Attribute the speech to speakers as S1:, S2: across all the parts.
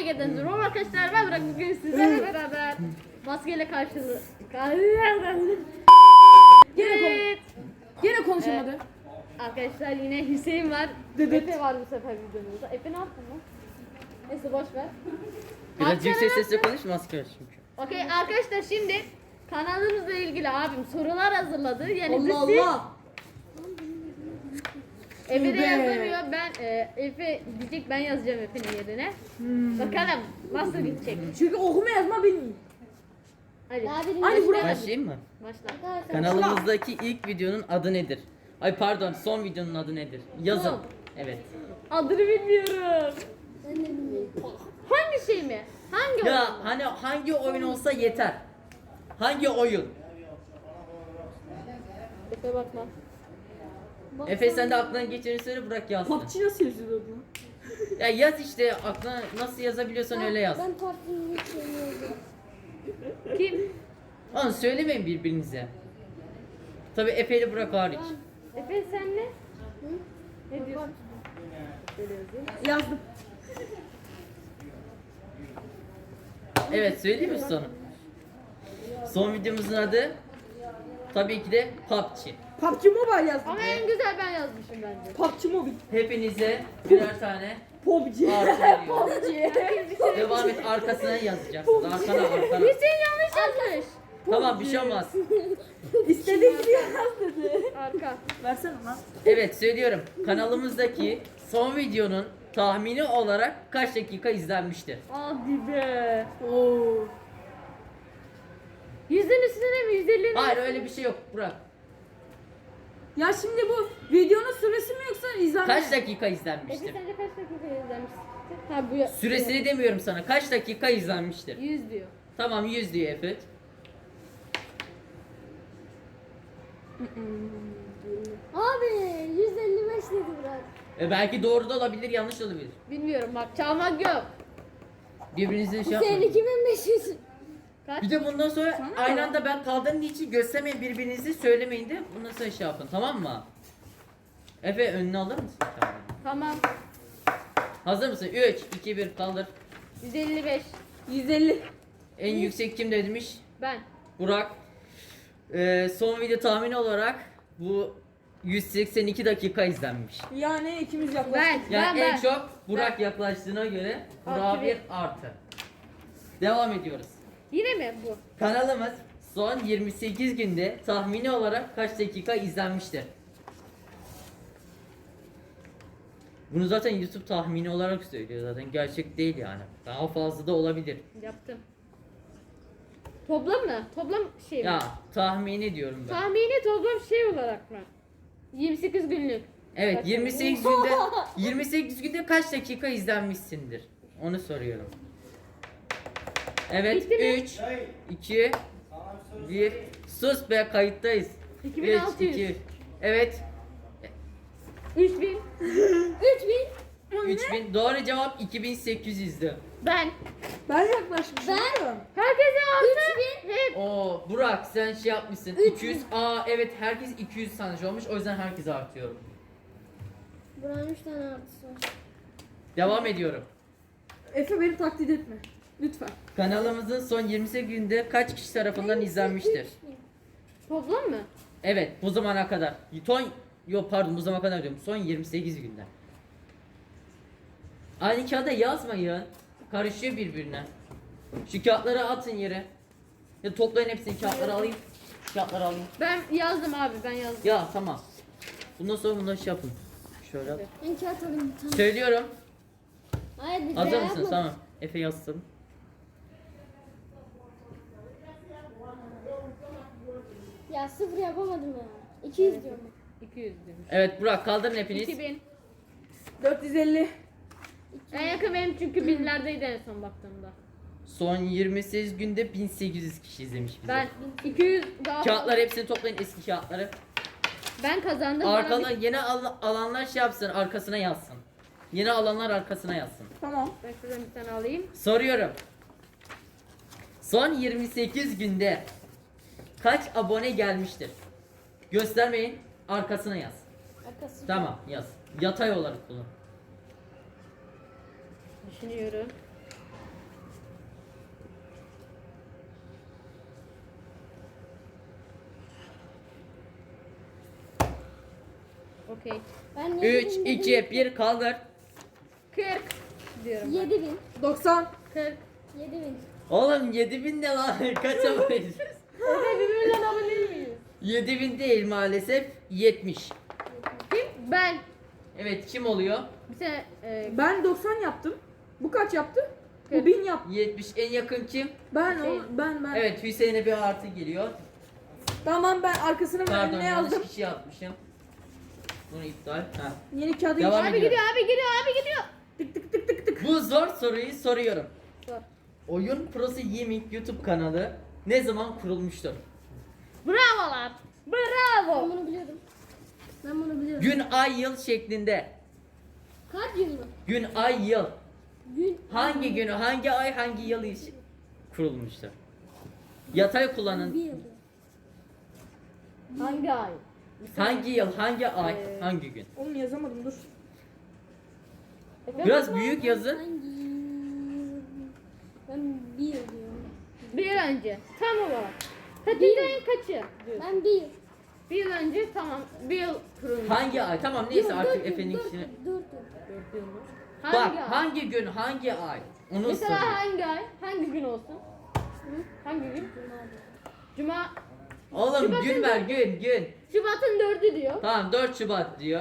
S1: geldiniz. Rom arkadaşlar, ben Burak, bugün sizlerle beraber maskeyle karşılığı. Evet.
S2: Gene konuşamadı.
S1: Arkadaşlar yine Hüseyin var. Efe var bu sefer videomuzda. Efe ne yaptın lan? Neyse boş ver.
S3: Biraz yüksek sesle konuş, maske var çünkü.
S1: Okey arkadaşlar, şimdi kanalımızla ilgili abim sorular hazırladı. Yani
S2: Allah
S1: siz
S2: Allah.
S1: Efe de
S2: Tövbe.
S1: yazamıyor. Efe diyecek, ben yazacağım Efe'nin yerine. Bakalım nasıl gidecek.
S2: Çünkü okuma yazma bilmiyor.
S1: Hadi.
S2: Hadi Burak.
S3: Başlayayım mı?
S1: Başla.
S3: Kanalımızdaki ilk videonun adı nedir? Ay pardon, son videonun adı nedir? Yazın.
S1: Son.
S3: Evet.
S1: Adını bilmiyorum. Hangi şey mi? Hangi oyun?
S3: Ya hani hangi oyun olsa yeter. Hangi oyun?
S1: Efe bakma.
S3: Efe sen de aklına geçeni söyle, Burak yazsın.
S2: PUBG nasıl yazıyordu?
S3: Ya yaz işte, aklına nasıl yazabiliyorsan öyle yaz.
S4: Ben PUBG'yi seviyordum.
S1: Kim?
S3: Onu söylemeyin birbirinize. Tabi Efe ile Burak hariç.
S1: Efe sen ne? Ne diyorsun? Şöyle yazayım.
S2: Yazdım.
S3: Evet, söyleyeyim mi sonu? Son videomuzun adı tabii ki de PUBG.
S2: PUBG Mobile yazdım.
S1: Ama en güzel ben yazmışım bence.
S2: PUBG Mobile.
S3: Hepinize birer tane
S2: PUBG.
S3: artı veriyorum.
S2: PUBG.
S3: Devam et, arkasına yazacaksın. Arkana.
S1: Hüseyin yanlış yazmış.
S3: Tamam, bir şey olmaz.
S2: İstediğin gibi yaz dedi.
S1: Arka.
S2: Versene lan.
S3: Evet, söylüyorum. Kanalımızdaki son videonun tahmini olarak kaç dakika izlenmiştir?
S1: Hadi be.
S2: Oo.
S1: 100'ün üstüne mi? 150'nin
S3: Hayır, öyle bir şey yok Burak.
S2: Ya şimdi bu videonun süresi mi yoksa izlenme?
S3: Kaç dakika
S1: Efe
S3: izlenmiştir?
S1: sence kaç dakika izlemişsin? Ha bu ya.
S3: Süresini demiyorum sana. Kaç dakika izlenmiştir?
S1: 100 diyor.
S3: Tamam, 100 diyor Efe.
S4: Abi 155 dedi Burak.
S3: Belki doğru da olabilir, yanlış da olabilir.
S1: Bilmiyorum, bak çalmak yok.
S3: Birbirinizle şey
S4: Senin
S3: yapmayın.
S4: 2500.
S1: Kaç?
S3: Bir de bundan sonra
S2: Sana
S3: aynı
S2: mı?
S3: anda ben kaldığım için göstermeyin birbirinizi, söylemeyin de bundan sonra şey yapın, tamam mı? Efe, önüne alır mısın? Tamam.
S1: Tamam.
S3: Hazır mısın? 3, 2, 1 kaldır.
S1: 155.
S2: 150.
S3: En yüksek kim demiş?
S1: Ben.
S3: Burak. Son video tahmini olarak bu 182 dakika izlenmiş.
S2: Yani ikimiz yaklaştık.
S1: Ben.
S3: Yani en
S1: ben.
S3: çok Burak yaklaştığına göre Burak'a
S1: Artı
S3: bir
S1: bir.
S3: artı. Devam ediyoruz.
S1: Yine mi bu?
S3: Kanalımız son 28 günde tahmini olarak kaç dakika izlenmiştir? Bunu zaten YouTube tahmini olarak söylüyor, zaten gerçek değil yani. Daha fazla da olabilir.
S1: Yaptım. Toplam mı? Toplam şey mi?
S3: Ya tahmini diyorum ben.
S1: Tahmini toplam şey olarak mı? 28 günlük.
S3: Evet,
S1: Kaç
S3: 28 günde 28 günde kaç dakika izlenmişsindir? Onu soruyorum. Evet,
S1: Bitti mi?
S3: 3 2 1 sus be, kayıttayız.
S1: 2600.
S3: 3 2 Evet,
S1: 3000.
S3: 3000 doğru cevap, 2800'dü.
S1: Ben.
S2: Ben yaklaşmışım.
S1: Herkese artı. Hep.
S3: Oo Burak, sen şey yapmışsın. 200. Evet, herkes 200 sanmış olmuş. O yüzden herkese artıyorum.
S4: Burak'ın 3 tane artısı var.
S3: Devam ediyorum.
S2: Efe beni taklit etme. Lütfen.
S3: Kanalımızın son 28 günde kaç kişi tarafından izlenmiştir?
S1: Toplam mı?
S3: Evet, bu zamana kadar. Yok pardon, bu zamana kadar diyorum. Son 28 günde. Aynı kağıda yazmayın. Karışıyor birbirine. Şu kağıtları atın yere. Ya toplayın hepsini, kağıtları alayım. Kağıtları alayım.
S1: Ben yazdım abi, ben yazdım.
S3: Ya tamam. Bundan sonra bunları şey yapın. Şöyle yap.
S4: Ben kağıt alayım bir tane.
S3: Söylüyorum.
S4: Hayır bir
S3: Hazır
S4: şey
S3: mısın?
S4: yapma.
S3: Tamam. Efe yazsın.
S4: Ya 0 yapamadım ya. 200 diyorum.
S1: 200 demiş.
S3: Evet Burak, kaldırın hepiniz.
S1: 2000.
S2: 450.
S1: En yakın benim çünkü binlerdeydi en son baktığımda.
S3: Son 28 günde 1800 kişi izlemiş bizi.
S1: Ben 200 daha
S3: Kağıtları hepsini toplayın, eski kağıtları.
S1: ben kazandım. Bana
S3: Arkadan yeni alanlar şey yapsın, arkasına yazsın. Yeni alanlar arkasına yazsın.
S2: Tamam.
S1: Ben şuradan bir tane alayım.
S3: Soruyorum. Son 28 günde kaç abone gelmiştir? Göstermeyin, arkasına yaz.
S4: Arkası.
S3: Tamam, yaz. Yatay olarak bunu.
S1: Düşünüyorum. Okey.
S4: Ben
S3: 3, 2, 1 kaldır.
S1: 40 diyorum.
S4: 7000.
S2: 90.
S1: 40.
S4: 7000.
S3: Oğlum 7000 ne lan? Kaçamayız.
S1: Efe birbirinden alabilir miyiz?
S3: 7000 değil maalesef. 70.
S1: Kim? Ben.
S3: Evet kim oluyor?
S1: Bir sene
S2: Ben 90 yaptım. Bu kaç yaptı? Bu
S1: Kırk.
S2: 1000 yaptı.
S3: 70 en yakın kim?
S2: Ben
S1: Hüseyin.
S2: ben.
S3: Evet Hüseyin'e bir artı geliyor.
S2: Tamam ben arkasına
S3: Pardon
S2: ne
S3: yanlış
S2: yazdım?
S3: kişi yapmışım. Bunu iptal. Ha.
S2: Yeni kağıdı
S3: Devam
S1: abi
S3: ediyorum.
S1: gidiyor abi gidiyor abi gidiyor.
S2: tık tık tık tık tık.
S3: Bu zor soruyu soruyorum.
S1: Sor.
S3: Oyun Prosu Gaming YouTube kanalı ne zaman kurulmuştur?
S1: Bravolar.
S4: Ben
S1: Bravo.
S4: bunu biliyordum. Ben bunu biliyorum.
S3: Gün, ay, yıl şeklinde.
S4: Kaç yıl mı?
S3: Gün, ay, yıl.
S4: Gün.
S3: Hangi günü, hangi ay, hangi yıl kurulmuştur? Yatay kullanın.
S4: Bir yıl.
S1: Hangi ay?
S3: Hangi yıl, hangi ay,
S1: Ee,
S3: hangi gün?
S2: Oğlum yazamadım dur.
S1: Efe,
S3: Biraz büyük yazın.
S4: Hangi yıl? Ben bir yıl diyorum.
S1: Bir yıl önce. Tam olarak. Kaçıncı ayın kaçı? diyorsun?
S4: Ben bir yıl.
S1: Bir yıl önce tamam. Bir yıl kurulmuş.
S3: Hangi ay? Tamam neyse
S4: Yok,
S3: artık
S4: dört yıl,
S3: Efe'nin
S4: dört
S3: işini.
S4: yıl, 4 yıl.
S1: 4 yıl mı?
S3: Bak
S1: Hangi ay?
S3: hangi gün, hangi ay? Onu
S1: Mesela
S3: soruyor.
S1: hangi ay? Hangi gün olsun? Hangi gün? Cuma.
S3: Oğlum
S1: Şubat'ın
S3: gün ver, gün.
S1: Şubat'ın 4'ü diyor.
S3: Tamam 4 Şubat diyor.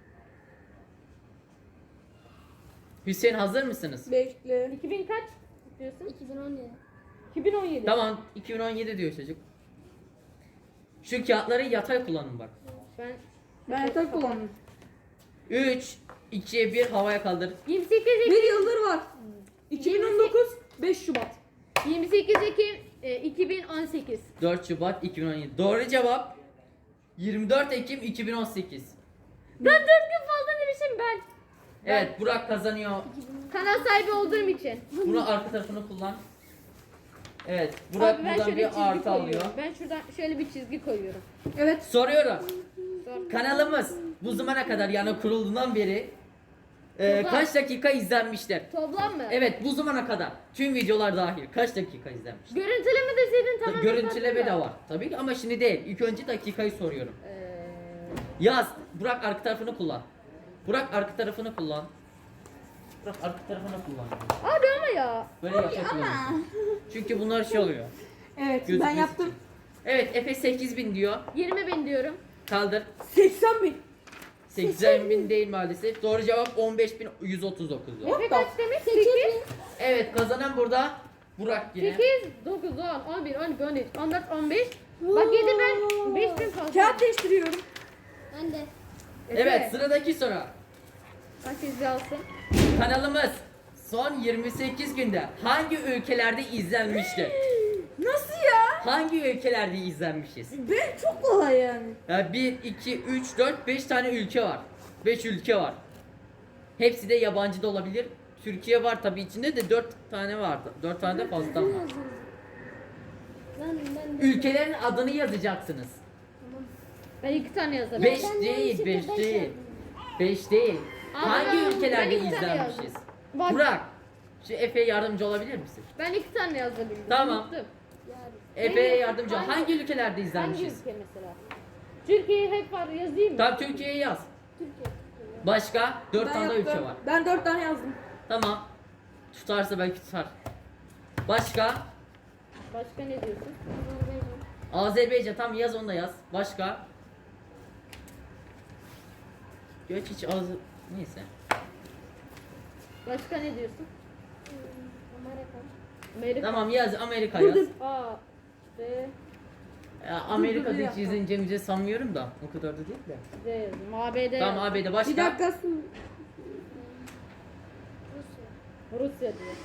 S3: Hüseyin hazır mısınız?
S2: Bekle.
S1: 2000 kaç diyorsun?
S4: 2017.
S1: 2017.
S3: Tamam 2017 diyor çocuk. Şu kağıtları yatay kullanın bak.
S1: Ben
S2: Ben yatak kullandım.
S3: 3, 2, 1 havaya kaldır.
S1: 28
S2: Bir
S1: Ekim
S2: yıldır var. 2019 5 Şubat.
S1: 28 Ekim 2018.
S3: 4 Şubat 2017. Doğru cevap 24 Ekim 2018.
S1: Ben 4 gün fazla demişim ben.
S3: Evet Burak kazanıyor.
S1: Kanal sahibi olduğum için.
S3: Bunu arka tarafını kullan. Evet Burak
S1: Abi ben
S3: buradan
S1: şöyle
S3: bir
S1: çizgi
S3: artı alıyor.
S1: koyuyorum. Ben şuradan şöyle bir çizgi koyuyorum.
S2: Evet.
S3: Soruyorum.
S1: Sor.
S3: Kanalımız bu zamana kadar yani kurulduğundan beri
S1: Toplam.
S3: kaç dakika izlenmiştir?
S1: Toplam mı?
S3: Evet bu zamana kadar tüm videolar dahil kaç dakika izlenmiştir?
S1: Görüntüleme deseydin tamam.
S3: Görüntüleme de var tabii ki ama şimdi değil. İlk önce dakikayı soruyorum. Yaz. Burak arka tarafını kullan. Burak arka tarafını kullan. Burak arka tarafını kullan.
S1: Abi ama ya.
S3: Böyle yapacak çünkü bunlar şey oluyor.
S2: Evet ben
S3: Gözükmesi
S2: yaptım.
S3: için. Evet Efe 8000 diyor.
S1: 20.000 diyorum.
S3: Kaldır.
S2: 80 bin.
S3: 80.000 değil maalesef. Doğru cevap 15.139 diyor.
S1: Efe kaç demiş?
S4: 8
S1: 8.
S4: bin.
S3: Evet kazanan burada Burak yine.
S1: 8, 9, 10, 11, 12, 13, 14, 15. Bak 7 ben 5000 fazla.
S2: Kağıt değiştiriyorum.
S4: Ben de.
S3: Evet sıradaki soru.
S1: Herkes alsın.
S3: Kanalımız son 28 günde hangi ülkelerde izlenmiştir?
S2: Nasıl ya?
S3: Hangi ülkelerde izlenmişiz?
S2: Ben çok kolay yani.
S3: Ya 1, 2, 3, 4, 5 tane ülke var. 5 ülke var. Hepsi de yabancı da olabilir. Türkiye var tabii içinde de 4 tane vardı. 4 tane de fazla var.
S4: Ben de.
S3: Ülkelerin adını yazacaksınız.
S4: Tamam.
S1: Ben 2 tane yazarım.
S3: 5
S4: ben
S3: değil,
S4: yanlışlıkla
S3: 5
S4: beş
S3: değil.
S4: yazdım.
S3: 5 değil.
S1: Ama
S3: Hangi
S1: ben
S3: ülkelerde
S1: iki tane
S3: izlenmişiz?
S1: yazdım. Bak
S3: Burak, şu Efe'ye yardımcı olabilir misin?
S1: ben 2 tane yazdım.
S3: Tamam.
S1: Unuttum.
S4: Yani.
S3: Efe'ye yardımcı ol.
S1: Hangi-
S3: Hangi ülkelerde
S1: Hangi
S3: izlenmişiz?
S1: ülke mesela? Türkiye hep var yazayım mı?
S3: Tamam Türkiye'yi yaz.
S4: Türkiye.
S3: Başka 4
S2: Ben
S3: tane daha ülke
S2: yaptım.
S3: var.
S2: Ben 4 tane yazdım.
S3: Tamam. Tutarsa belki tutar. Başka?
S1: Başka ne diyorsun?
S3: Azerbaycan tam yaz onu da yaz. Başka? Göç hiç az neyse.
S1: Başka ne diyorsun?
S4: Amerika.
S1: Amerika.
S3: Tamam yaz Amerika
S2: Dur,
S3: yaz.
S2: dur.
S1: A, B,
S3: Ya, Amerika'da
S2: bir
S3: hiç
S2: dakika.
S3: izleneceğimizi sanmıyorum da. O kadar da değil de.
S1: D yazdım. ABD.
S3: Tamam AB'de başka?
S2: Bir dakika.
S4: Rusya.
S1: Rusya diyor.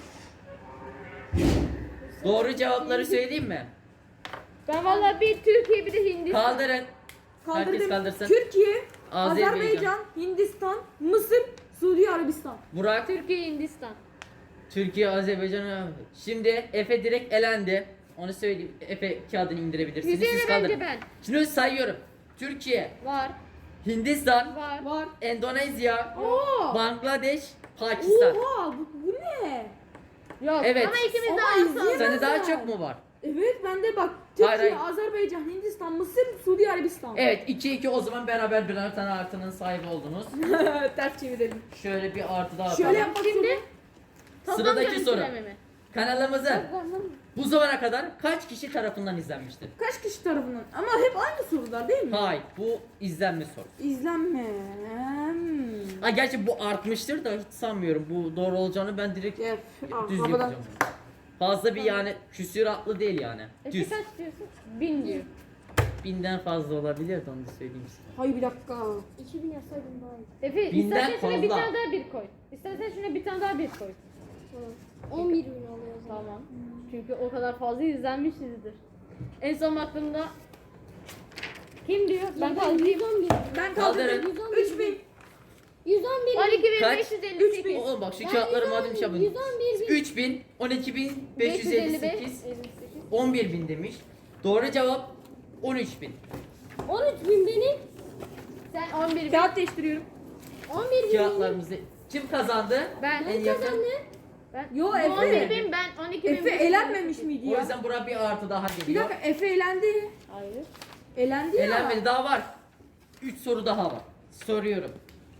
S3: Doğru cevapları söyleyeyim mi?
S1: Ben vallahi bir Türkiye bir de Hindistan.
S3: Kaldırın. Herkes
S2: Kaldırdım.
S3: kaldırsın.
S2: Türkiye,
S3: Azerbaycan.
S2: Azerbaycan, Hindistan, Mısır, Suudi Arabistan.
S3: Burak,
S1: Türkiye, Hindistan.
S3: Türkiye, Azerbaycan. Şimdi Efe direkt elendi. Onu söyleyeyim. Efe kağıdını indirebilirsiniz.
S1: Hüseyin'e
S3: Siz
S1: bence
S3: kaldırın.
S1: ben.
S3: Şimdi sayıyorum. Türkiye,
S1: Var.
S3: Hindistan,
S1: Var.
S2: Var.
S3: Endonezya,
S2: Oo.
S3: Bangladeş, Pakistan.
S2: Oha bu ne?
S1: Yok.
S3: Evet.
S1: Ama ikimiz de
S2: Ama
S1: aynı
S2: izleyemem.
S3: Sende daha
S2: var.
S3: çok mu var?
S2: Evet bende bak
S3: Hayır,
S2: Türkiye,
S3: hayır.
S2: Azerbaycan, Hindistan, Mısır, Suudi Arabistan.
S3: Evet 2-2 o zaman beraber birer tane artının sahibi oldunuz.
S2: Ters çevirelim.
S3: Şöyle bir artı daha
S2: Şöyle
S3: atalım.
S2: yapmak
S1: Şimdi
S2: zorunda.
S1: toplam
S3: Sıradaki soru.
S1: görüntüleme mi?
S3: Kanalımızı bu zamana kadar kaç kişi tarafından izlenmiştir?
S2: Kaç kişi tarafından? Ama hep aynı sorular değil mi?
S3: Hayır bu izlenme soru.
S2: İzlenme.
S3: Ha gerçi bu artmıştır da hiç sanmıyorum. Bu doğru olacağını ben direkt
S2: Gel.
S3: düz
S2: Havadan.
S3: yapacağım. Fazla bir yani küsuratlı değil yani.
S1: Efe
S3: Düz.
S1: kaç diyorsun? 1000 diyor.
S3: 1000'den fazla olabilir de onu da söyleyeyim size.
S2: Hayır bir dakika.
S4: 2000 yazsaydım daha iyi.
S1: Efe
S3: Binden
S1: istersen şuna bir
S3: fazla.
S1: tane daha bir koy. İstersen şuna bir tane daha bir koy.
S4: Tamam. 11 bin oluyor o zaman.
S1: Tamam. Çünkü o kadar fazla izlenmişizdir. En son baktığımda kim diyor? Ben kaldırayım.
S4: 111.
S2: Ben
S3: Kaldırın.
S2: kaldırdım. 3000.
S4: 111 bin.
S1: 12558.
S3: Oğlum bak şu
S4: Ben
S3: kağıtları
S4: 111
S3: madem şey yapın.
S4: 111 bin.
S3: 3000, 12558, 11000 demiş. Doğru cevap 13000.
S4: 13 bin benim.
S1: Sen 11 bin.
S2: Kağıt değiştiriyorum.
S4: 11 bin benim.
S3: Kağıtlarımızı kim kazandı?
S1: Ben.
S3: En yakın.
S4: Kazandı.
S1: Ben.
S2: Yo,
S1: Bu
S2: Efe.
S1: 11 bin, ben 12 bin.
S2: Efe elenmemiş miydi
S3: O
S2: ya?
S3: yüzden buraya bir artı daha
S2: Bir
S3: geliyor.
S2: dakika Efe elendi.
S1: Hayır.
S2: Elendi ya.
S3: Elenmedi daha var. 3 soru daha var. Soruyorum.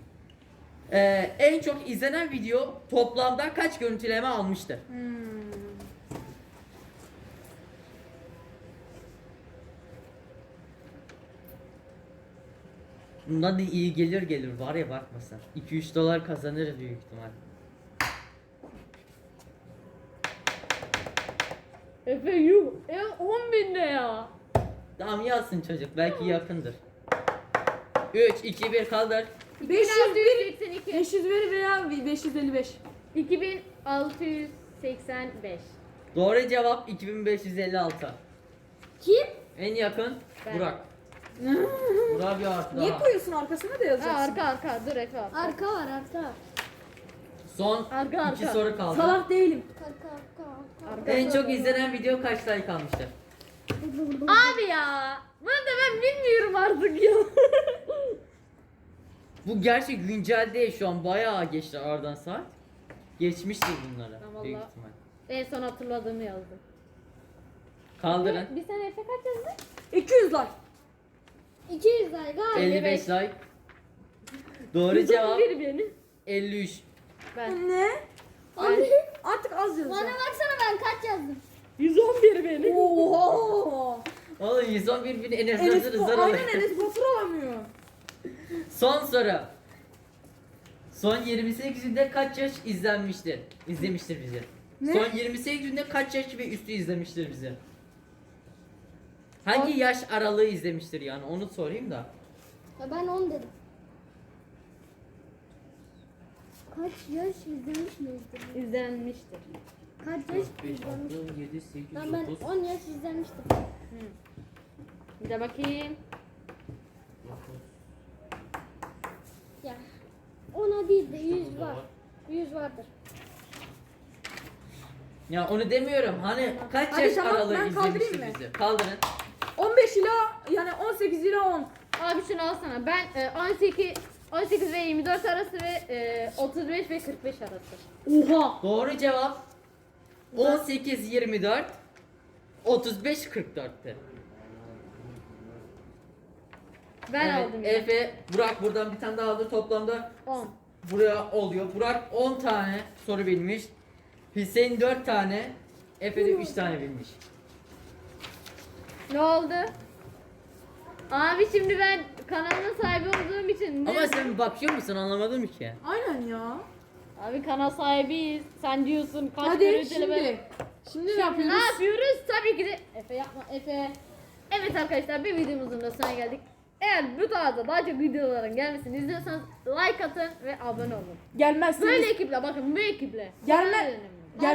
S3: En çok izlenen video toplamda kaç görüntüleme almıştır? Bundan da iyi gelir var ya bakma sen. 2-3 dolar kazanırız büyük ihtimal.
S1: Efe yuh. 10 bin ne ya?
S3: Tamam yazsın çocuk belki yakındır. 3, 2, 1 kaldır.
S1: 2682.
S2: 500 ver veya 555.
S1: 2685.
S3: Doğru cevap 2556.
S4: Kim?
S3: En yakın
S1: Ben.
S3: Burak. Burak bir artı
S2: Niye
S3: daha.
S2: koyuyorsun arkasına da
S1: Ha,
S2: yazacaksın?
S1: arka dur Efe arka.
S4: Arka var arka.
S3: Son
S1: Arka,
S3: 2
S1: arka.
S3: soru kaldı.
S2: Salak değilim.
S4: Arka arka arka.
S1: Arka.
S3: En çok izlenen video kaç like almıştır?
S1: Abi ya. Bunu da ben bilmiyorum artık ya.
S3: Bu gerçi güncel değil şu an bayağı geçti aradan saat. Geçmiştir bunlara
S1: Tamam,
S3: büyük
S1: vallahi.
S3: ihtimal.
S1: En son hatırladığımı yazdım.
S3: Kaldırın.
S1: Bir sene Efe kaç yazdın?
S2: 200 like.
S4: 200 like galiba.
S3: 55 like. Doğru cevap
S1: 111 beni.
S3: 53.
S1: Ben.
S2: Ne?
S4: Abi,
S2: Artık az
S4: bana
S2: yazacağım.
S4: baksana ben kaç yazdım.
S1: 111 beni.
S2: Oha.
S3: Oğlum 111 bin Enes
S2: Enes
S3: Nazır'ı zar
S2: aynen
S3: alıyor.
S2: Enes Batur alamıyor.
S3: Son soru. Son 28 günde kaç yaş izlenmiştir? İzlemiştir bizi.
S2: Ne?
S3: Son 28 günde kaç yaş ve üstü izlemiştir bizi? Hangi yaş aralığı izlemiştir yani onu sorayım da.
S4: Ya ben 10 dedim. Kaç yaş izlemiş miyizdir?
S1: İzlenmiştir.
S4: Kaç
S3: 4,
S4: yaş
S3: 5,
S4: izlemiş?
S3: 6, 7, 8,
S4: Ben
S3: 9,
S4: 10 yaş izlemiştim.
S1: Bir de bakayım.
S4: Ya. Ona değil de 100 var. 100 vardır.
S3: Ya onu demiyorum. Hani kaç
S2: Hadi
S3: yaş
S2: tamam,
S3: aralığı
S2: ben kaldırayım
S3: izlemiştir
S2: mı?
S3: bizi? Kaldırın.
S2: 15 ila yani 18 ila 10.
S1: Abi şunu alsana. Ben 18 ve 24 arası ve 35 ve 45 arası.
S2: Oha.
S3: Doğru cevap 18 24 35 44'tü.
S1: Ben
S3: Evet,
S1: aldım ya.
S3: Efe, Burak buradan bir tane daha aldı. Toplamda
S1: 10.
S3: buraya oluyor. Burak 10 tane soru bilmiş. Hüseyin 4 tane. Efe de 3 tane bilmiş.
S1: Ne oldu? Abi şimdi ben kanalın sahibi olduğum için
S3: Ama sen bakıyor musun anlamadım ki.
S2: Aynen ya.
S1: Abi kanal sahibiyiz. Sen diyorsun kaç
S2: Hadi
S1: görüntüleme.
S2: şimdi. Şimdi ne
S1: Ne
S2: yapıyoruz?
S1: yapıyoruz? Tabii ki de Efe yapma Efe. Evet arkadaşlar bir videomuzun da sonuna geldik. Eğer bu tarzda daha çok videoların gelmesini istiyorsanız like atın ve abone olun.
S2: Gelmezsiniz.
S1: Böyle ekiple bakın bu ekiple.
S2: Gelme-
S1: Bana önerin.